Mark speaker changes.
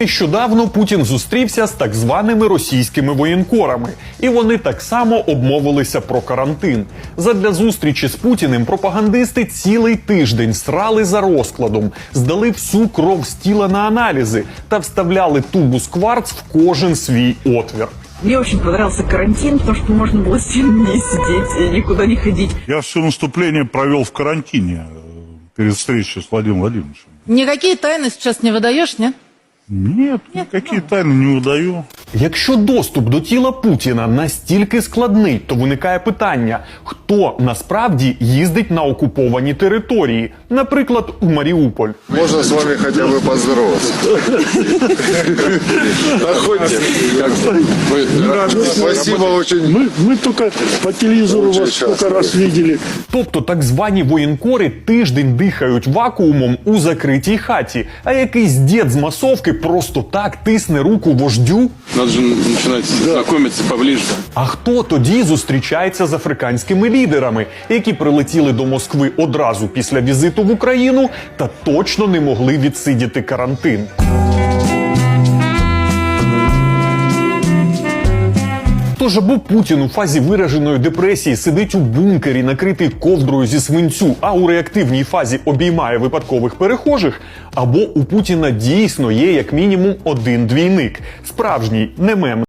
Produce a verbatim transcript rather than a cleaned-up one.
Speaker 1: Нещодавно Путін зустрівся з так званими російськими воєнкорами, і вони так само обмовилися про карантин. Задля зустрічі з Путіним пропагандисти цілий тиждень срали за розкладом, здали всю кров з тіла на аналізи та вставляли тубус кварц в кожен свій отвір.
Speaker 2: Мне очень понравился карантин, потому что можно было семь дней сидеть и никуда не ходить.
Speaker 3: Я все наступление провел в карантине перед встречей с Владимиром Владимировичем.
Speaker 4: Никакие тайны сейчас не выдаешь, нет?
Speaker 3: Нет, никакие тайны не выдаю.
Speaker 1: Якщо доступ до тіла Путіна настільки складний, то виникає питання, хто насправді їздить на окуповані території, наприклад, у Маріуполь.
Speaker 5: Можно с вами хотя бы поздороваться? Находите? Спасибо очень.
Speaker 6: Мы, мы только по телевизору
Speaker 5: Очень
Speaker 6: вас сколько
Speaker 5: часто.
Speaker 6: раз видели.
Speaker 1: Тобто так звані воєнкори тиждень дихають вакуумом у закритій хаті, а якийсь дід з масовки просто так тисне руку вождю?
Speaker 7: Надо же начинать знакомиться поближе.
Speaker 1: А хто тоді зустрічається з африканськими лідерами, які прилетіли до Москви одразу після візиту в Україну та точно не могли відсидіти карантин? Тож або Путін у фазі вираженої депресії сидить у бункері, накритий ковдрою зі свинцю, а у реактивній фазі обіймає випадкових перехожих, або у Путіна дійсно є як мінімум один двійник. Справжній, не мем.